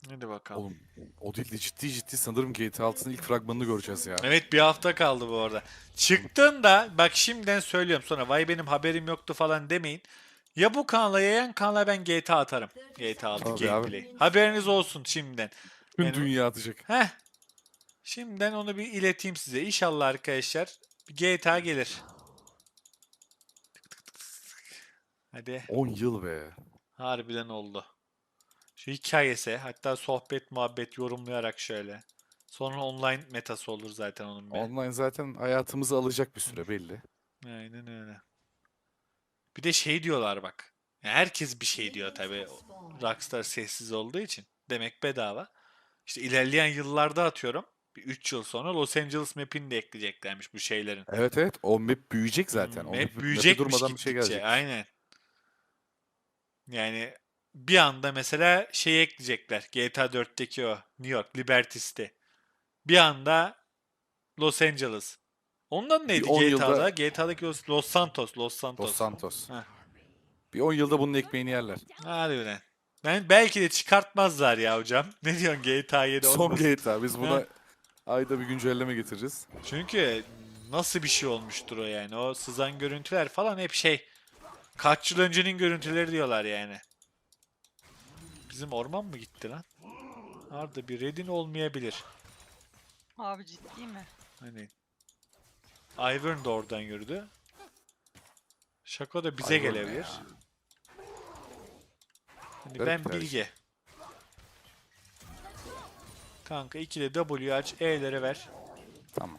Hadi bakalım. Oğlum o değil de ciddi sanırım GTA 6'nın ilk fragmanını göreceğiz ya. Evet, bir hafta kaldı bu arada. Çıktığında bak şimdiden söylüyorum, sonra vay benim haberim yoktu falan demeyin. Ya bu kanala ya yan kanala ben GTA atarım. GTA 6 Tabii abi. gameplay. Haberiniz olsun şimdiden. Tüm Yani dünya atacak. heh, şimdiden onu bir ileteyim size. İnşallah arkadaşlar bir GTA gelir. Hadi. 10 yıl be. Harbiden oldu. Şu hikayesi, hatta sohbet muhabbet yorumlayarak şöyle. Sonra online metası olur zaten onun be. Online zaten hayatımızı alacak bir süre belli. Aynen öyle. Bir de şey diyorlar bak. Ya herkes bir şey diyor tabii. Rockstar sessiz olduğu için. Demek bedava. İşte ilerleyen yıllarda atıyorum. Bir 3 yıl sonra Los Angeles map'ini de ekleyeceklermiş bu şeylerin. Evet o map büyüyecek zaten. O Map map'e büyüyecekmiş durmadan bir şey gittikçe. gelecekmiş. Aynen. Yani bir anda mesela şey ekleyecekler. GTA 4'teki o New York Liberty City. Bir anda Los Angeles. Ondan Bir neydi 10 GTA'da? yılda GTA'daki Los Santos. Los Los Santos. Santos. Heh. Bir 10 yılda bunun ekmeğini yerler. Harbiden. Ben belki de çıkartmazlar ya hocam. Ne diyorsun, GTA 7 Son olmasın? GTA. Biz Heh. buna ayda bir güncelleme getireceğiz. Çünkü nasıl bir şey olmuştur o yani. O sızan görüntüler falan hep şey. Kaç yıl öncenin görüntüleri diyorlar yani. Bizim orman mı gitti lan? Arada bir redin olmayabilir. Abi ciddi mi? Hani Ivern da oradan yürüdü. Şako da bize Ivern ne gelebilir. ya? Hani Garip ben bir tercih. Bilge. Kanka 2'de W aç, E'lere ver. Tamam.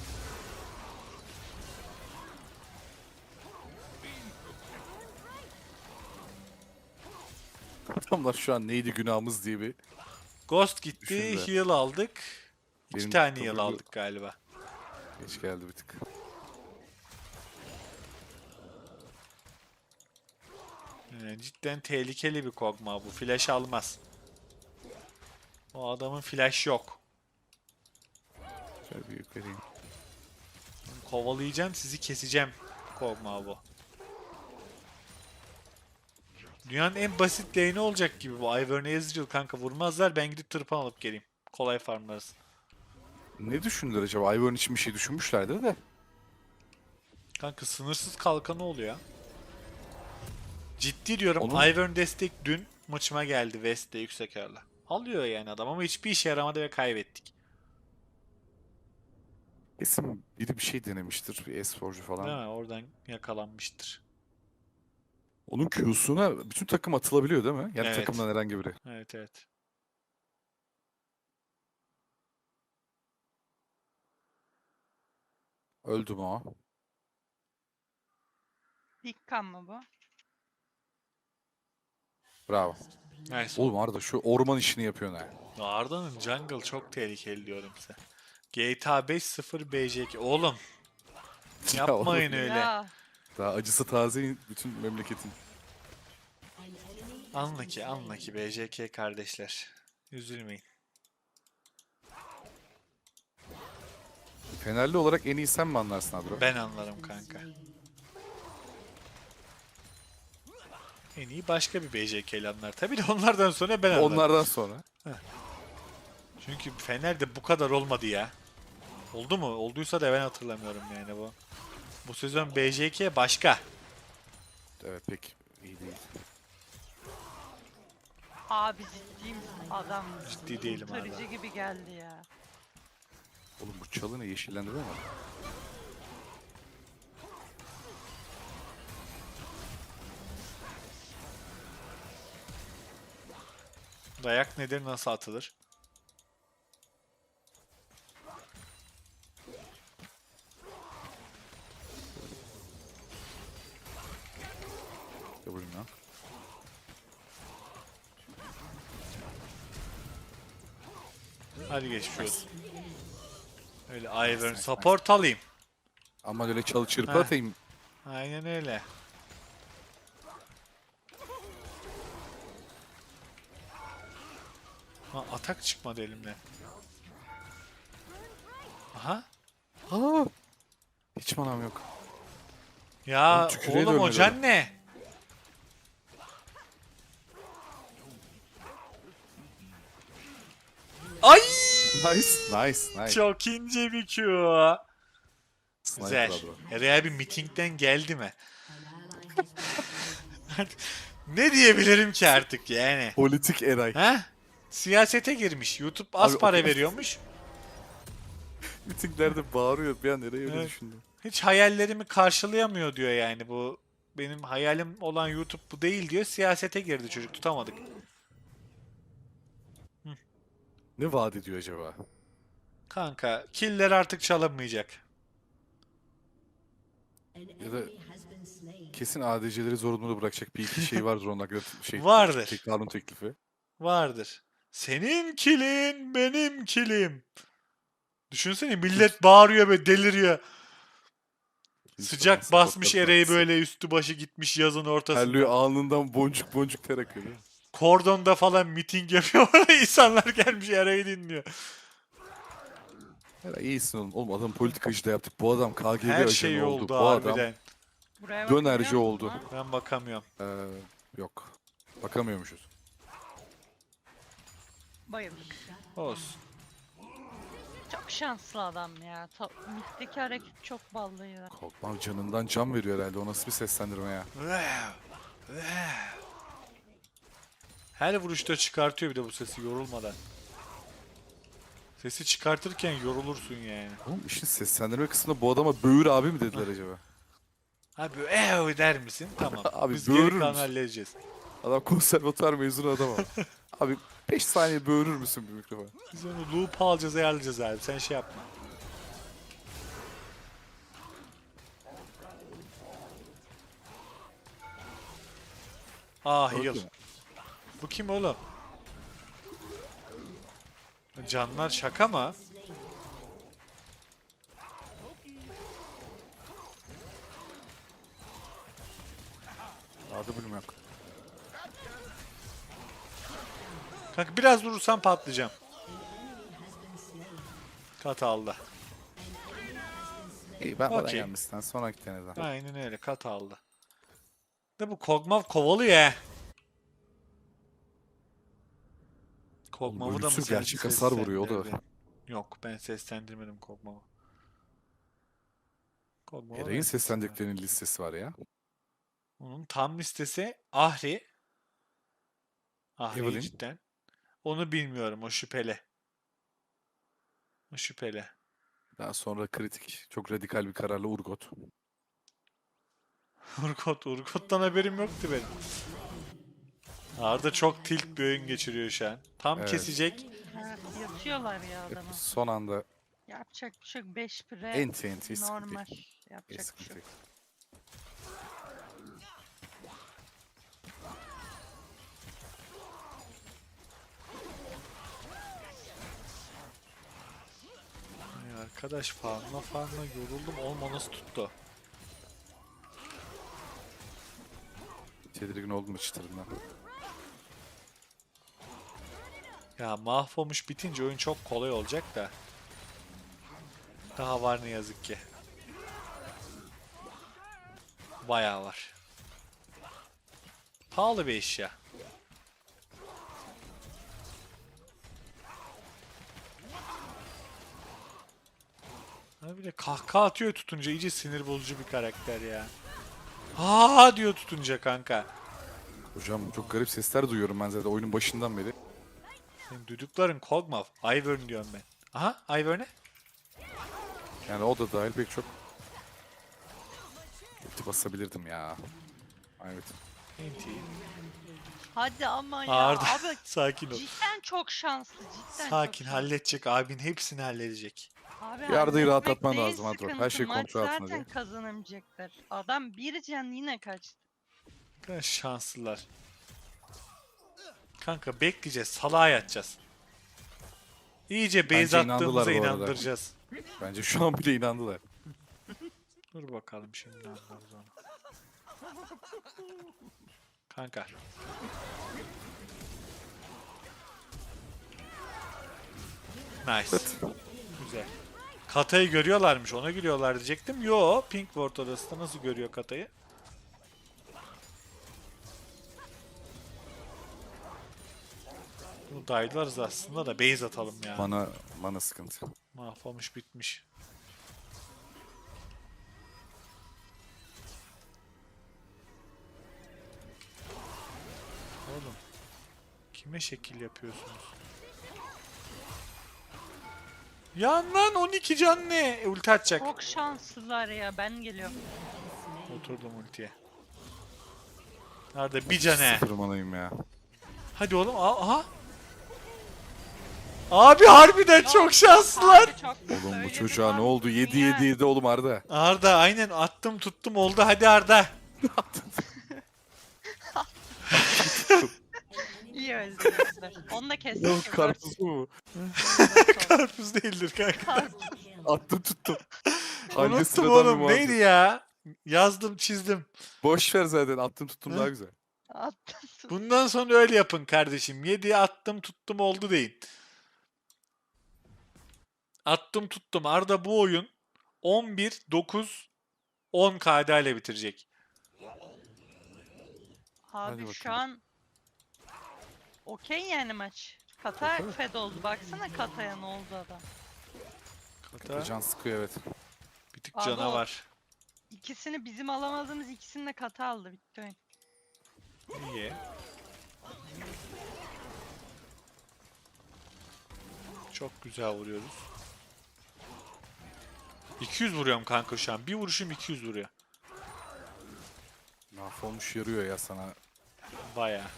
Adamlar şu an neydi günahımız diye bir Ghost gitti, düşündüler. heal aldık. 2 Benim tane heal W aldık galiba. geç geldi bir tık. Cidden tehlikeli bir Kog'Maw bu. Flash almaz. O adamın flash yok. Şöyle bir yukarıyım. Kovalayacağım, sizi keseceğim Kog'Maw bu. Dünyanın en basit lane'i olacak gibi bu. Ivern Ezreal kanka, vurmazlar, ben gidip tırpan alıp geleyim. Kolay farmlarız. Ne düşündüler acaba? Ivern için bir şey düşünmüşlerdir de. Kanka sınırsız kalkanı oluyor. Ciddi diyorum, Onun Ivern destek dün maçıma geldi West'te yüksek ağırla. Alıyor yani adam ama hiçbir işe yaramadı ve kaybettik. kesin biri bir şey denemiştir. Bir esporcu Değil falan. mi? Oradan yakalanmıştır. Onun Q'suna bütün takım atılabiliyor değil mi? Yani Evet. takımdan herhangi biri. Evet, evet. Öldü mü o? İlk kan mı bu? Bravo. Nice Oğlum oldu. Arda şu orman işini yapıyorsun ha. Arda'nın jungle çok tehlikeli diyorum size. GTA 5 0 BJ2. Oğlum Ya oğlum yapmayın öyle. Ya daha acısı taze bütün memleketin. Anla ki BJK kardeşler. Üzülmeyin. Fenerli olarak en iyi sen mi anlarsın Adro? Ben anlarım kanka. En iyi başka bir BJK'li anlar. Tabii de onlardan sonra ben anlarım. Onlardan sonra. Çünkü Fener'de bu kadar olmadı ya. Oldu mu? Olduysa da ben hatırlamıyorum yani bu. Bu sezon BJK başka. Evet pek iyi değil. abi ciddi misin? Adam Ciddi değilim abi. kurtarıcı gibi geldi ya. Oğlum bu çalı ne yeşillendi değil mi? Dayak nedir, nasıl atılır? Ya vurayım lan. Hadi geçmiş olsun. Öyle Nice, Ivern nice, support alayım. Ama öyle çalı çırpı Heh. atayım. Aynen öyle. Ha, atak çıkmadı elimden. Aha. Aa, hiç manam yok. Ya Oğlum tükürüğe oğlum o dönmedi adam. can ne? Ay! Nice. Nice. Nice. Çok ince bir Q. Sniper Güzel. adro. Eray bir mitingden geldi mi? Ne diyebilirim ki artık yani? Politik Eray. Ha? Siyasete girmiş. YouTube az Abi, para o- veriyormuş. Mitinglerde bağırıyor. Bir an nereye öyle Evet. düşündüm. Hiç hayallerimi karşılayamıyor diyor yani bu. Benim hayalim olan YouTube bu değil diyor. Siyasete girdi çocuk, tutamadık. Ne vaat ediyor acaba? Kanka killer artık çalınmayacak. Ya da kesin ADC'leri zorunlu bırakacak bir iki şey vardır onun hakkında Vardır. kanun teklifi. Vardır. Senin kilin benim kilim. Düşünsene millet bağırıyor ve deliriyor. Sıcak Instagram basmış supportları Ereği partisi. böyle üstü başı gitmiş yazın Terliyor ortasında. alnından boncuk boncuk ter akıyor değil mi? Kordonda falan miting yapıyor. İnsanlar gelmiş Ereği dinliyor. Her iyisin oğlum. Oğlum adam politikacı da yaptık. Bu adam KGB Her ajanı şey oldu. oldu Bu adam harbiden. Buraya dönerci bakabiliyor musun oldu. lan? Ben bakamıyorum. Yok. Bakamıyormuşuz. Bayıldık. Olsun. Çok şanslı adam ya. Mitteki hareket çok ballıydı. Korkmam canından can veriyor herhalde. O nasıl bir seslendirme ya? Her vuruşta çıkartıyor bir de bu sesi yorulmadan. Sesi çıkartırken yorulursun yani. Oğlum işin seslendirme kısmında bu adama böğür abi mi dediler acaba? Abi der misin? Tamam. Abi, Biz böğürür geri kalanı müsün? halledeceğiz. Adam konservatuar mezunu adam ama. Abi 5 saniye böğürür müsün bir mikrofon? Biz onu loop alacağız ayarlayacağız abi. Sen şey yapma. Ah heal. Öldü mü? Bu kim oğlum? Canlar şaka mı? Adı bilmem. Kanka biraz durursam patlayacağım. Kat aldı. İyi ben bana Okey. gelmişten sonraki deneden. Aynen öyle kat aldı. De bu Kog'Maw kovalıyor ya. Kog'Maw'u da mı ölümsüz sen gerçek hasar vuruyor, o da var. seslendirdin? Yok ben seslendirmedim Kog'Maw'u. Kog'Maw'u Eray'ın ben seslendirdiklerinin listesi var ya. Onun tam listesi Ahri. Ahri Evelyn. cidden. Onu bilmiyorum, o şüpheli. O şüpheli. Daha sonra kritik, çok radikal bir kararla Urgot. Urgot'tan haberim yoktu benim. Arda çok tilt bir oyun geçiriyor şu an. Tam Evet. kesecek. Evet, yatıyorlar ya adamı. Son anda Yapacak bir şey yok. 5 pire enti sıkıntı normal. yok. Yapacak bir Sıkıntı şey yok. yok. Ay arkadaş farmla yoruldum. Olma nasıl tuttu? Tedirgin oldum çıtırından. Ya mahvolmuş bitince oyun çok kolay olacak da. Daha var ne yazık ki. Bayağı var. Pahalı bir eşya. Abi bir de kahkaha atıyor tutunca, iyice sinir bozucu bir karakter ya. Aa diyor tutunca kanka. Hocam çok garip sesler duyuyorum ben zaten oyunun başından beri. Senin duydukların Kog'Maw. Ivern diyorum ben. Aha Ivern'e. Yani o da dahil pek çok. Ulti basabilirdim ya. Evet. Enti. Hadi ama ya. Arda Abi sakin ol. cidden çok şanslı. Cidden Sakin çok halledecek, abin hepsini halledecek. Abi Bir Arda'yı halletmek rahatlatman değil lazım Adro. Her sıkıntı. şey Maç kontrol altında zaten diye. kazanamayacaklar. Adam bir can yine kaçtı. Ne kadar şanslılar. Kanka bekleyeceğiz, salağa yatacağız. İyice base Bence inandılar attığımıza bu arada. inandıracağız. Bence şu an bile inandılar. Dur bakalım şimdi ne anlarız onu. Kanka. Nice. Güzel. Katayı görüyorlarmış, ona gülüyorlar diyecektim. Yo, Pink Ward odasında nasıl görüyor Katayı? Bunu dayılarız aslında da base atalım ya. Mana sıkıntı. Mahvolmuş bitmiş. Oğlum. Kime şekil yapıyorsunuz? Yan lan 12 can ne? Ulti atacak. Çok şanslılar ya. Ben geliyorum. Oturdum ultiye. Nerede bir can he. Sıfır manayım ya. Hadi oğlum. Aha. Abi harbiden çok şanslılar. Abi çok Oğlum bu böyle çocuğa bir ne oldu? mantıksın 7 ya. 7 7 oğlum Arda. Arda aynen attım tuttum oldu hadi Arda. İyi öldürdüler. Onu da kestik. Oğlum karpuz mu? Karpuz değildir kanka. Karpuz. Attım tuttum. Anne Unuttum sıradan bir oğlum muhabbet. neydi ya? Yazdım çizdim. Boş ver zaten attım tuttum Hı? daha güzel. Attım. Bundan sonra öyle yapın kardeşim. 7'ye attım tuttum oldu deyin. Attım tuttum. Arda bu oyun 11, 9, 10 KD ile bitirecek. Abi Hadi şu bakalım. an okey yani maç. Kata fed oldu. Baksana Kata'ya ne oldu adam. Kata Can sıkıyor evet. bir tık Abi canavar. İkisini bizim alamadığımız ikisini de Kata aldı. Bitti oyun. İyi. Çok güzel vuruyoruz. 200 vuruyorum kanka şu an. Bir vuruşum 200 vuruyor. Mahvolmuş yarıyor ya sana. Baya.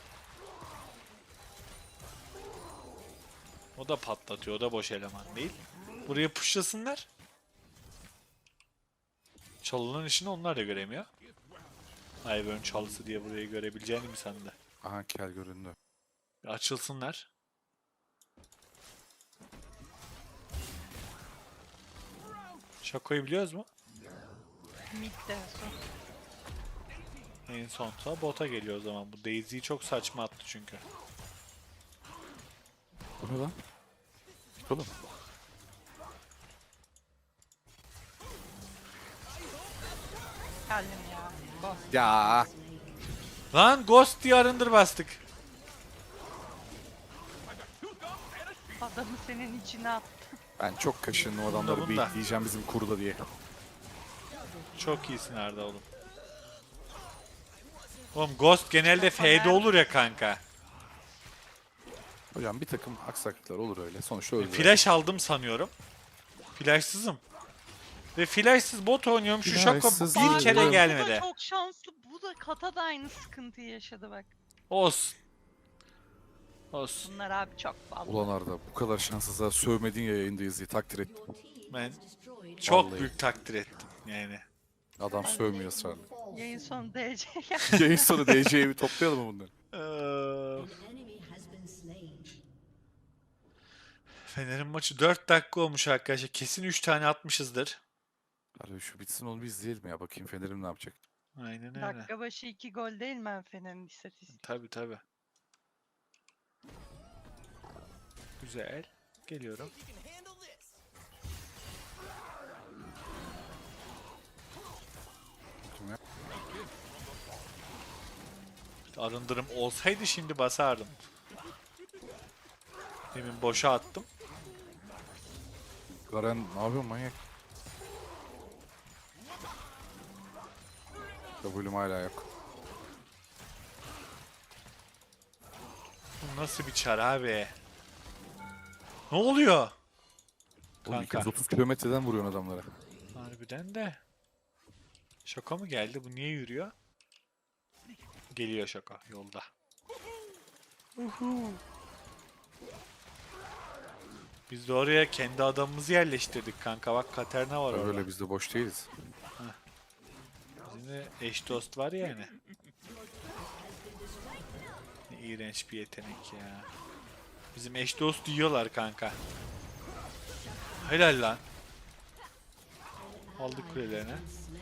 O da patlatıyor. O da boş eleman değil. Buraya pushlasınlar. Çalınan işini onlar da göremiyor. Ivern çalısı diye burayı görebileceğini mi sandı? Aha kel göründü. Bir açılsınlar. Şakoyu biliyoruz mu? Mid'de son. En son da bota geliyor o zaman. Bu Daisy'yi çok saçma attı çünkü. Bu ne lan? Git oğlum. Geldim ya. Bas. Ya. Lan Ghost diye arındır bastık. Adamı senin içine attı. Ben çok kaşındım adamları bunda. bekleyeceğim bizim kurda diye. Çok iyisin Arda oğlum. Oğlum Ghost genelde F'de olur ya kanka. Hocam bir takım aksaklıklar olur öyle. Sonuçta öldüler. Flash aldım sanıyorum. Flashsızım. Ve flashsız bot oynuyorum. Şu Şako Flashsız bir değilim. kere Bu da gelmedi. çok şanslı. Bu da Kata da aynı sıkıntıyı yaşadı bak. Olsun. Olsun. Bunlar abi çok ballı. Ulan Arda bu kadar şanssızlığa sövmedin ya yayındayız diye takdir ettim. Ben çok Vallahi. büyük takdir ettim yani. Adam sövmüyor ısrarla. Yayın sonu DC geldi. Yayın sonu DC'yi bir toplayalım mı bunları? Fener'in maçı 4 dakika olmuş arkadaşlar. Kesin 3 tane atmışızdır. Hadi şu bitsin onu bir izleyelim ya. Bakayım Fener'im ne yapacak. Aynen öyle. Dakika başı 2 gol değil mi Fener'in istatistiği? Tabi tabi. Güzel. Geliyorum. Bakayım ya. Arındırım olsaydı şimdi basardım. Demin boşa attım. Garen ne yapıyorsun manyak? W'm hala yok. Bu nasıl bir çar abi? Ne oluyor? Oğlum Kanka. 230 kilometreden vuruyorsun adamlara. Harbiden de. Şaka mı geldi? Bu niye yürüyor? Geliyor şaka yolda. Uhu. Biz de oraya kendi adamımızı yerleştirdik kanka. Bak Katerina var orada. Öyle biz de boş değiliz. Bizim de eş dost var yani. Ne iğrenç bir yetenek ya. Bizim eş dost yiyorlar kanka. Helal lan. Aldık kulelerine.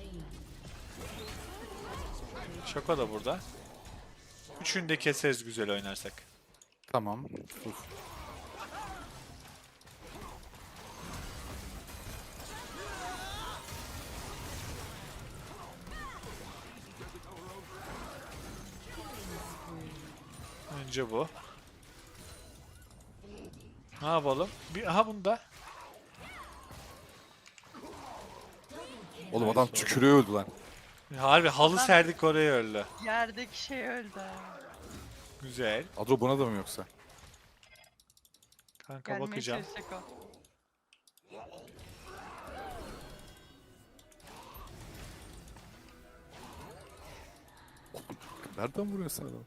Şaka da burada. Üçünü de keseriz güzel oynarsak. Tamam. Uf. Önce bu. Ne yapalım? Aha bunda. Oğlum adam tükürüyor öldü lan. Harbi halı Adam- serdik oraya öldü. Yerdeki şey öldü. Güzel. Adro buna da mı yoksa? Kanka Gelmeye bakacağım. çalışacak o. Nereden vuruyorsun adam?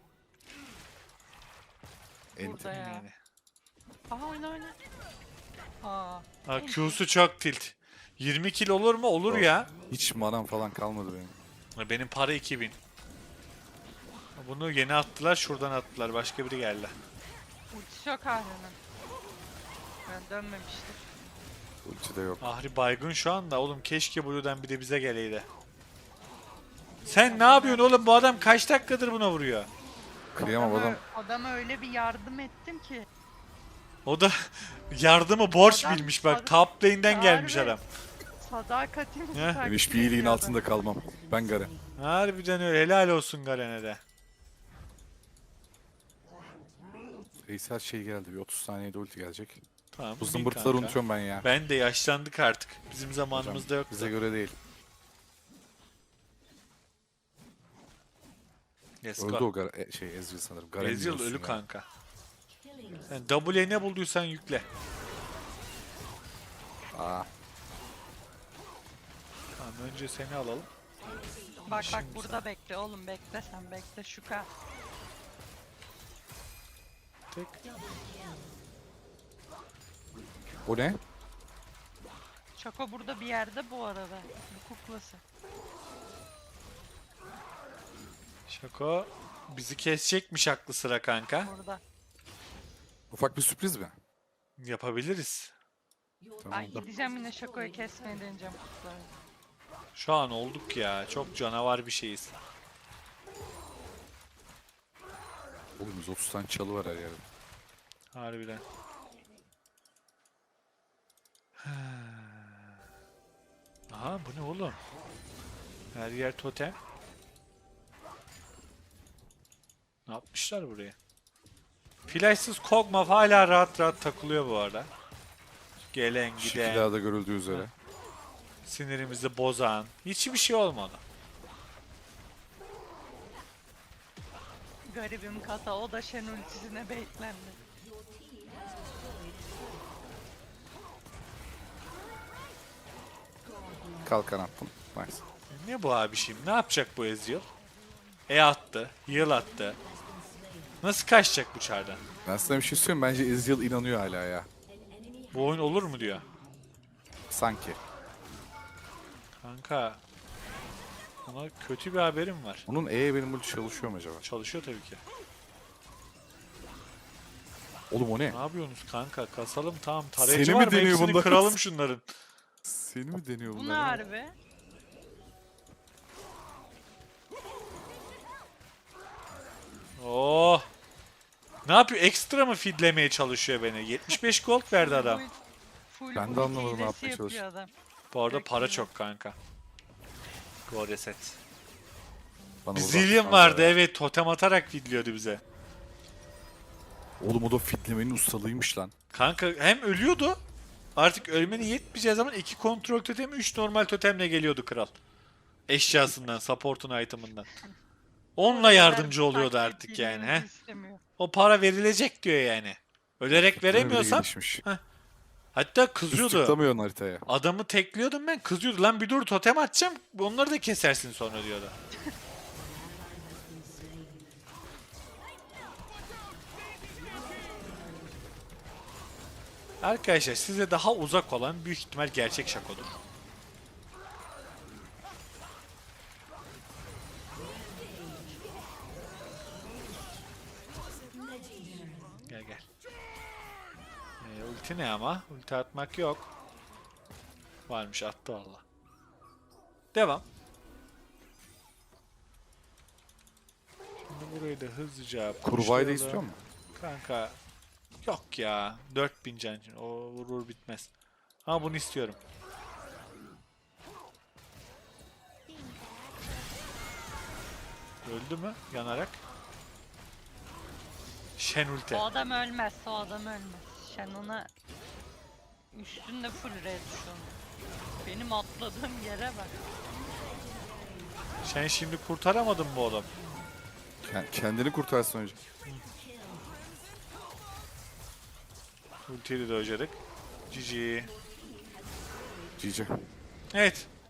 Burada ya. Yani. Aha oyna. Aa. Ha, Q'su çok tilt. 20 kill olur mu? Olur Yok. ya. Hiç manam falan kalmadı benim. Benim para 2000. Bunu yeni attılar, şuradan attılar. Başka biri geldi. Ultisi yok Ahri'nin. Ben dönmemiştir. Ulti de yok. Ahri baygın şu anda. Oğlum keşke Blue'dan bir de bize geleydi. Sen ne yapıyorsun oğlum? Bu adam kaç dakikadır buna vuruyor? Kıyamam adam. Adama öyle bir yardım ettim ki. O da yardımı borç Adam- bilmiş bak. adam- Top lane'den gelmiş Harbi. adam. Sadakatimizi Heh. takdir Ben hiçbir iyiliğin ediyordu. altında kalmam. Ben Garen. Harbiden öyle. Helal olsun Garen'e de. Veysel şey geldi. Bir 30 saniyede ulti gelecek. Tamam. Bu bin zımbırtıları kanka. unutuyorum ben ya. Ben de yaşlandık artık. Bizim Hocam, zamanımızda yoktu. bize göre değil. Let's Öldü go. o Ezreal sanırım. Garen Ezreal diyorsun ölü ya. kanka. Sen W'ye ne bulduysan yükle. Aa, Tamam önce seni alalım. Bak Şimdi burada bekle oğlum bekle sen bekle şu ka. Tek. o ne? Şako burada bir yerde bu arada. Bu kuklası. Şako bizi kesecekmiş aklı sıra kanka. Burada. Ufak bir sürpriz mi? Yapabiliriz. Tamam. Ay gideceğim yine Şako'yu kesmeye deneyeceğim kukları. Şu an olduk ya. Çok canavar bir şeyiz. Oğlum 130 tane çalı var her yerde. Harbiden. Aha bu ne oğlum? Her yer totem. Ne yapmışlar buraya? Flashsız Kog'Maw hala rahat rahat takılıyor bu arada. Gelen giden, Şekillerde görüldüğü üzere. sinirimizi bozan. Hiçbir şey olmadı. Garibim kata o da Shen ultisine baitlendi. Kalkan attım. Nice. Ne bu abi şimdi? Ne yapacak bu Ezreal? Attı, heal attı. Nasıl kaçacak bu çardan? Ben sana bir şey söyleyeyim. Bence Ezreal inanıyor hala ya. Bu oyun olur mu diyor. Sanki. Kanka. Ona kötü bir haberim var. Onun benim ulti çalışıyor mu acaba? Çalışıyor tabii ki. Oğlum o ne? Ne yapıyorsunuz kanka? Kasalım tamam. Seni Tarayıcı mi var mı? deniyor Hepsini bunlar? kıralım şunların. Seni mi deniyor Bu ne bunlar? harbi? Oh. Ne yapıyor? Ekstra mı feedlemeye çalışıyor beni? 75 gold verdi adam. Full Ben de ulti anlamadım ne hilesi yapmaya yapıyor çalışıyor. adam. Bu arada Direkt para yine. çok kanka. Go reset. Bana Bir buradan zillion kanka vardı ya. evet. Totem atarak feedliyordu bize. Oğlum o da fitlemenin ustalıymış lan. Kanka hem ölüyordu. Artık ölmeni yetmeyeceği zaman 2 kontrol totemi 3 normal totemle geliyordu kral. Eşyasından, support'un item'ından. Onunla yardımcı oluyordu Taklit artık yani. bilmemizi He? istemiyor. O para verilecek diyor yani. Ölerek Fitleme bile veremiyorsan gelişmiş. hatta Düz kızıyordu. tıklamıyorsun haritaya. Adamı tekliyordum ben kızıyordu. Lan bir dur totem atacağım onları da kesersin sonra diyordu. Arkadaşlar size daha uzak olan büyük ihtimal gerçek şakodur. Gel gel. Ulti ne ama? Ulti atmak yok. Varmış attı valla. Devam. Şimdi burayı da hızlıca Kurbayı da pushlayalım. istiyor mu? Kanka yok ya 4000 can için o vurur bitmez. Ama bunu istiyorum. Öldü mü yanarak? Shen ulti. O adam ölmez, o adam ölmez. Shannon'a üstünde full red şu an. Benim atladığım yere bak. Sen şimdi kurtaramadın bu adam. Kendini kurtarsın önce. Ultiyi de dojladık. GG. GG. Evet.